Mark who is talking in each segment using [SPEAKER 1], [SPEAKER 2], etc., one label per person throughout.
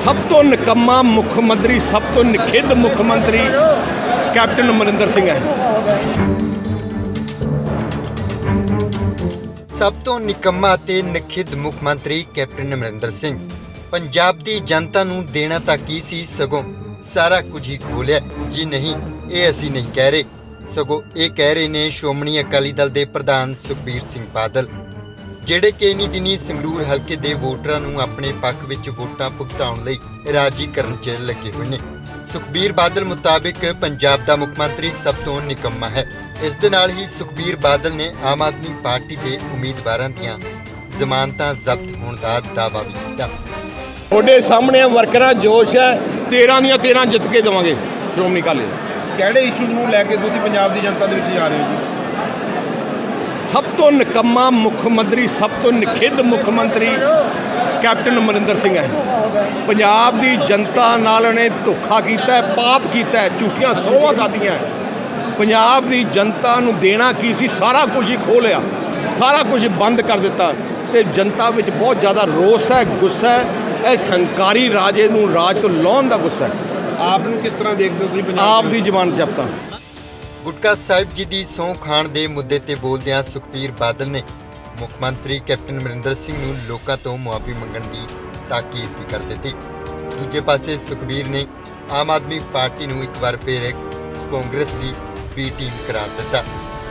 [SPEAKER 1] ਸਭ ਤੋਂ ਨਿਕੰਮਾ ਮੁੱਖ ਮੰਤਰੀ, ਸਭ ਤੋਂ ਨਿਖਿੱਧ ਮੁੱਖ ਮੰਤਰੀ ਕੈਪਟਨ ਅਮਰਿੰਦਰ ਸਿੰਘ ਹੈ।
[SPEAKER 2] ਸਭ ਤੋਂ ਨਿਕੰਮਾ ਅਤੇ ਨਖਿੱਧ ਮੁੱਖ ਮੰਤਰੀ ਕੈਪਟਨ ਅਮਰਿੰਦਰ ਸਿੰਘ ਪੰਜਾਬ ਦੀ ਜਨਤਾ ਨੂੰ ਦੇਣਾ ਤਾਂ ਕੀ ਸੀ, ਸਗੋਂ ਸਾਰਾ ਕੁਝ ਹੀ ਖੋਹ ਲਿਆ। ਜੀ ਨਹੀਂ, ਇਹ ਅਸੀਂ ਨਹੀਂ ਕਹਿ ਰਹੇ, ਸਗੋਂ ਇਹ ਕਹਿ ਰਹੇ ਨੇ ਸ਼੍ਰੋਮਣੀ ਅਕਾਲੀ ਦਲ ਦੇ ਪ੍ਰਧਾਨ ਸੁਖਬੀਰ ਸਿੰਘ ਬਾਦਲ, ਜਿਹੜੇ ਕਿ ਇਨ੍ਹੀਂ ਦਿਨੀਂ ਸੰਗਰੂਰ ਹਲਕੇ ਦੇ ਵੋਟਰਾਂ ਨੂੰ ਆਪਣੇ ਪੱਖ ਵਿੱਚ ਵੋਟਾਂ ਭੁਗਤਾਉਣ ਲਈ ਰਾਜੀ ਕਰਨ 'ਚ ਲੱਗੇ ਹੋਏ ਨੇ। ਸੁਖਬੀਰ ਬਾਦਲ ਮੁਤਾਬਿਕ ਪੰਜਾਬ ਦਾ ਮੁੱਖ ਮੰਤਰੀ ਸਭ ਤੋਂ ਨਿਕੰਮਾ ਹੈ। ਇਸ ਦੇ ਨਾਲ ਹੀ ਸੁਖਬੀਰ ਬਾਦਲ ਨੇ ਆਮ ਆਦਮੀ ਪਾਰਟੀ ਦੇ ਉਮੀਦਵਾਰਾਂ ਦੀਆਂ ਜ਼ਮਾਨਤਾਂ ਜ਼ਬਤ ਹੋਣ ਦਾ ਦਾਅਵਾ ਵੀ ਕੀਤਾ।
[SPEAKER 1] ਤੁਹਾਡੇ ਸਾਹਮਣੇ ਵਰਕਰਾਂ ਜੋਸ਼ ਹੈ, 13 ਦੀਆਂ 13 ਜਿੱਤ ਕੇ ਦੇਵਾਂਗੇ ਸ਼੍ਰੋਮਣੀ ਅਕਾਲੀ ਦਲ।
[SPEAKER 3] ਕਿਹੜੇ ਇਸ਼ੂ ਨੂੰ ਲੈ ਕੇ ਤੁਸੀਂ ਪੰਜਾਬ ਦੀ ਜਨਤਾ ਦੇ ਵਿੱਚ ਜਾ ਰਹੇ ਹੋ ਜੀ?
[SPEAKER 1] ਸਭ ਤੋਂ ਨਿਕੰਮਾ ਮੁੱਖ ਮੰਤਰੀ, ਸਭ ਤੋਂ ਨਿਖਿੱਧ ਮੁੱਖ ਮੰਤਰੀ ਕੈਪਟਨ ਅਮਰਿੰਦਰ ਸਿੰਘ ਹੈ। ਪੰਜਾਬ ਦੀ ਜਨਤਾ ਨਾਲ ਉਹਨੇ ਧੋਖਾ ਕੀਤਾ ਹੈ, ਪਾਪ ਕੀਤਾ ਹੈ, ਝੂਠੀਆਂ ਸਹੁੰਆਂ ਖਾਧੀਆਂ। ਪੰਜਾਬ ਦੀ ਜਨਤਾ ਨੂੰ ਦੇਣਾ ਕੀ ਸੀ, ਸਾਰਾ ਕੁਝ ਹੀ ਖੋਹ ਲਿਆ, ਸਾਰਾ ਕੁਝ ਬੰਦ ਕਰ ਦਿੱਤਾ ਤੇ ਜਨਤਾ ਵਿੱਚ ਬਹੁਤ ਜ਼ਿਆਦਾ ਰੋਸ ਹੈ, ਗੁੱਸਾ ਹੈ। ਇਸ ਹੰਕਾਰੀ ਰਾਜੇ ਨੂੰ ਰਾਜ ਤੋਂ ਲਾਹੁਣ ਦਾ ਗੁੱਸਾ ਹੈ।
[SPEAKER 3] ਆਪ ਨੂੰ ਕਿਸ ਤਰ੍ਹਾਂ ਦੇਖਦੇ ਹੋ ਤੁਸੀਂ ਪੰਜਾਬ
[SPEAKER 1] ਆਪ ਦੀ ਜ਼ਮਾਨਤ ਜ਼ਬਤਾਂ।
[SPEAKER 2] ਗੁਟਕਾ ਸਾਹਿਬ ਜੀ ਦੀ ਸਹੁੰ ਖਾਣ ਦੇ ਮੁੱਦੇ ਤੇ ਬੋਲਦਿਆਂ ਸੁਖਬੀਰ ਬਾਦਲ ਨੇ ਮੁੱਖ ਮੰਤਰੀ ਕੈਪਟਨ ਅਮਰਿੰਦਰ ਸਿੰਘ ਨੂੰ ਲੋਕਾਂ ਤੋਂ ਮੁਆਫੀ ਮੰਗਣ ਦੀ ਤਾਕੀਦ ਵੀ ਕਰ ਦਿੱਤੀ। ਦੂਜੇ ਪਾਸੇ ਸੁਖਬੀਰ ਨੇ ਆਮ ਆਦਮੀ ਪਾਰਟੀ ਨੂੰ ਇੱਕ ਵਾਰ ਫਿਰ ਕਾਂਗਰਸ ਦੀ ਬੀ ਟੀਮ ਕਰਾਰ ਦਿੱਤਾ।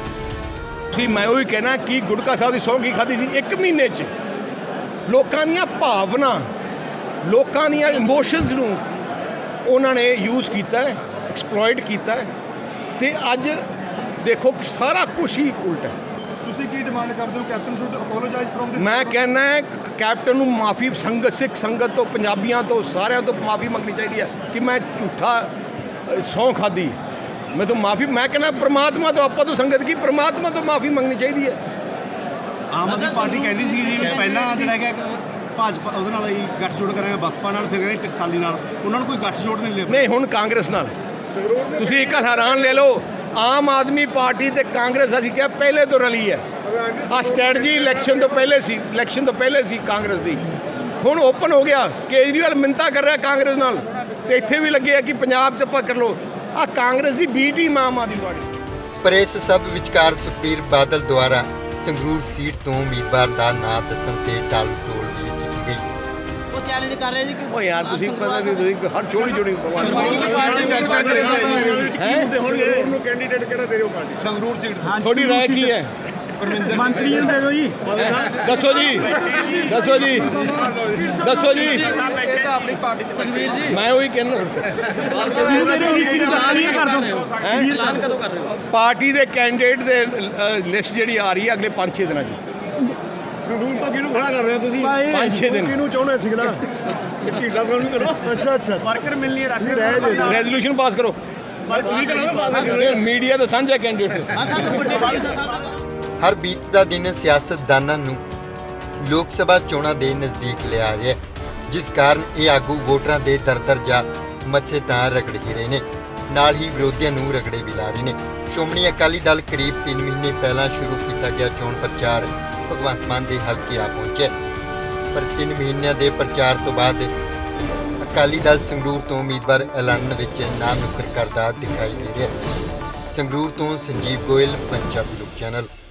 [SPEAKER 1] ਮੈਂ ਉਹੀ ਕਹਿਣਾ ਕਿ ਗੁਟਕਾ ਸਾਹਿਬ ਦੀ ਸਹੁੰ ਕੀ ਖਾਧੀ ਸੀ 1 ਮਹੀਨੇ 'ਚ। ਲੋਕਾਂ ਦੀਆਂ ਭਾਵਨਾ, ਲੋਕਾਂ ਦੀਆਂ ਇਮੋਸ਼ਨਸ ਨੂੰ ਉਹਨਾਂ ਨੇ ਯੂਜ਼ ਕੀਤਾ ਹੈ, ਐਕਸਪਲੋਇਟ ਕੀਤਾ ਹੈ ਤੇ ਅੱਜ ਦੇਖੋ ਕਿ ਸਾਰਾ ਕੁਝ ਹੀ ਉਲਟਾ ਹੈ।
[SPEAKER 3] ਤੁਸੀਂ ਕੀ ਡਿਮਾਂਡ ਕਰਦੇ ਹੋ? Captain should apologise from this?
[SPEAKER 1] ਮੈਂ ਕਹਿੰਦਾ ਕੈਪਟਨ ਨੂੰ ਮਾਫੀ, ਸਿੱਖ ਸੰਗਤ ਤੋਂ, ਪੰਜਾਬੀਆਂ ਤੋਂ, ਸਾਰਿਆਂ ਤੋਂ ਮਾਫੀ ਮੰਗਣੀ ਚਾਹੀਦੀ ਹੈ ਕਿ ਮੈਂ ਝੂਠਾ ਸਹੁੰ ਖਾਧੀ। ਮੈਂ ਤਾਂ ਮਾਫੀ, ਮੈਂ ਕਹਿੰਦਾ ਪ੍ਰਮਾਤਮਾ ਤੋਂ, ਆਪਾਂ ਤੋਂ ਸੰਗਤ ਕੀ, ਪ੍ਰਮਾਤਮਾ ਤੋਂ ਮਾਫੀ ਮੰਗਣੀ ਚਾਹੀਦੀ ਹੈ।
[SPEAKER 3] ਆਮ ਆਦਮੀ ਪਾਰਟੀ ਕਹਿੰਦੀ ਸੀ ਜੀ ਪਹਿਲਾਂ ਜਿਹੜਾ ਹੈਗਾ ਭਾਜਪਾ ਉਹਦੇ ਨਾਲ ਹੀ ਗੱਠਜੋੜ ਕਰਾਂਗੇ, ਬਸਪਾ ਨਾਲ, ਫਿਰ ਕਹਿੰਦੇ ਟਕਸਾਲੀ ਨਾਲ, ਉਹਨਾਂ ਨੂੰ ਕੋਈ ਗੱਠਜੋੜ ਨਹੀਂ ਲਿਆ।
[SPEAKER 1] ਨਹੀਂ, ਹੁਣ ਕਾਂਗਰਸ ਨਾਲ ਤੁਸੀਂ ਇੱਕ ਹੈਰਾਨ ਲੈ ਲਓ, ਆਮ ਆਦਮੀ ਪਾਰਟੀ ਤੇ ਕਾਂਗਰਸ ਅਸੀਂ ਕਿਹਾ ਪਹਿਲੇ ਤੋਂ ਰਲੀ ਹੈ। ਆਹ ਸਟ੍ਰੈਟਜੀ ਇਲੈਕਸ਼ਨ ਤੋਂ ਪਹਿਲੇ ਸੀ ਕਾਂਗਰਸ ਦੀ, ਹੁਣ ਓਪਨ ਹੋ ਗਿਆ। ਕੇਜਰੀਵਾਲ ਮਿੰਨਤਾਂ ਕਰ ਰਿਹਾ ਕਾਂਗਰਸ ਨਾਲ ਤੇ ਇੱਥੇ ਵੀ ਲੱਗੇ ਆ ਕਿ ਪੰਜਾਬ 'ਚ ਆਪਾਂ ਕਰ ਲਓ। ਆਹ ਕਾਂਗਰਸ ਦੀ ਬੀ ਟੀਮ ਆਮ ਆਦਮੀ ਪਾਰਟੀ।
[SPEAKER 2] ਪਰ ਇਸ ਸਭ ਵਿਚਕਾਰ ਸੁਖਬੀਰ ਬਾਦਲ ਦੁਆਰਾ ਸੰਗਰੂਰ ਸੀਟ ਤੋਂ ਉਮੀਦਵਾਰ ਦਾ ਨਾਂ ਦੱਸਣ ਤੇ ਟਾਲ ਟੋਲ ਵੀ ਕੀਤੀ ਗਈ।
[SPEAKER 4] ਉਹ ਚੈਲੰਜ ਕਰ ਰਹੇ ਜੀ ਕਿ
[SPEAKER 1] ਉਹ ਯਾਰ ਤੁਸੀਂ ਪਤਾ ਵੀ ਤੁਸੀਂ ਹਰ ਛੋਟੀ
[SPEAKER 3] ਚਰਚਾ ਚੱਲ ਰਹੀ ਹੈ ਉਹਨੂੰ ਕੈਂਡੀਡੇਟ ਕਿਹੜਾ ਦੇ ਰਹੇ ਹੋ ਪਾਰਟੀ? ਸੰਗਰੂਰ ਸੀਟ
[SPEAKER 1] ਤੁਹਾਡੀ ਰਾਏ ਕੀ ਹੈ?
[SPEAKER 3] ਪਰਮਿੰਦਰ ਮੰਤਰੀ ਨੂੰ ਦੇ ਦਿਓ ਜੀ।
[SPEAKER 1] ਦੱਸੋ ਜੀ।
[SPEAKER 4] ਆਪਣੀ ਪਾਰਟੀ ਦੇ ਸੁਖਬੀਰ ਜੀ,
[SPEAKER 1] ਮੈਂ ਉਹੀ ਕਹਿੰਦਾ
[SPEAKER 4] ਐਲਾਨ ਕਦੋਂ ਕਰ ਰਹੇ ਹੋ?
[SPEAKER 1] ਪਾਰਟੀ ਦੇ ਕੈਂਡੀਡੇਟ ਦੇ ਲਿਸਟ ਜਿਹੜੀ ਆ ਰਹੀ ਹੈ ਅਗਲੇ 5-6 ਦਿਨਾਂ 'ਚ।
[SPEAKER 3] ਸੰਗਰੂਰ ਤਾਂ ਕਿਹਨੂੰ ਖੜਾ ਕਰ ਰਹੇ ਹੋ ਤੁਸੀਂ?
[SPEAKER 1] 5-6 ਦਿਨ
[SPEAKER 3] ਕਿਹਨੂੰ ਚਾਹੁੰਦੇ ਸੀ ਨਾ ਢੀਲਾ ਤੁਹਾਨੂੰ ਕਰੋ। ਅੱਛਾ ਵਰਕਰ ਮਿਲਣੀ ਰੱਖ
[SPEAKER 1] ਰੈਜ਼ੋਲੂਸ਼ਨ ਪਾਸ ਕਰੋ।
[SPEAKER 3] ਤੁਸੀਂ ਕਰੋ ਪਾਸ।
[SPEAKER 1] ਮੀਡੀਆ ਦਾ ਸਾਂਝਾ ਕੈਂਡੀਡੇਟ।
[SPEAKER 4] ਹਾਂ ਸਾਨੂੰ ਵੱਡੇ ਸਾਹਿਬ
[SPEAKER 2] ਹਰ ਬੀਤਦਾ ਦਿਨ ਸਿਆਸਤਦਾਨਾਂ ਨੂੰ ਲੋਕ ਸਭਾ ਚੋਣਾਂ ਦੇ ਨਜ਼ਦੀਕ ਲਿਆ ਰਿਹਾ ਹੈ, ਜਿਸ ਕਾਰਨ ਇਹ ਆਗੂ ਵੋਟਰਾਂ ਦੇ ਦਰ ਜਾ ਮੱਥੇ ਤਾਂ ਰਗੜ ਹੀ ਰਹੇ ਨੇ, ਨਾਲ ਹੀ ਵਿਰੋਧੀਆਂ ਨੂੰ ਰਗੜੇ ਵੀ ਲਾ ਰਹੇ ਨੇ। ਸ਼੍ਰੋਮਣੀ ਅਕਾਲੀ ਦਲ ਕਰੀਬ 3 ਮਹੀਨੇ ਪਹਿਲਾਂ ਸ਼ੁਰੂ ਕੀਤਾ ਗਿਆ ਚੋਣ ਪ੍ਰਚਾਰ ਭਗਵੰਤ ਮਾਨ ਦੇ ਹਲਕੇ ਆ ਪਹੁੰਚਿਆ, ਪਰ 3 ਮਹੀਨਿਆਂ ਦੇ ਪ੍ਰਚਾਰ ਤੋਂ ਬਾਅਦ ਅਕਾਲੀ ਦਲ ਸੰਗਰੂਰ ਤੋਂ ਉਮੀਦਵਾਰ ਐਲਾਨਣ ਵਿੱਚ ਨਾ ਨੁੱਕਰ ਕਰਦਾ ਦਿਖਾਈ ਦੇ ਰਿਹਾ। ਸੰਗਰੂਰ ਤੋਂ ਸੰਜੀਵ ਗੋਇਲ, ਪੰਜਾਬੀ ਲੋਕ ਚੈਨਲ।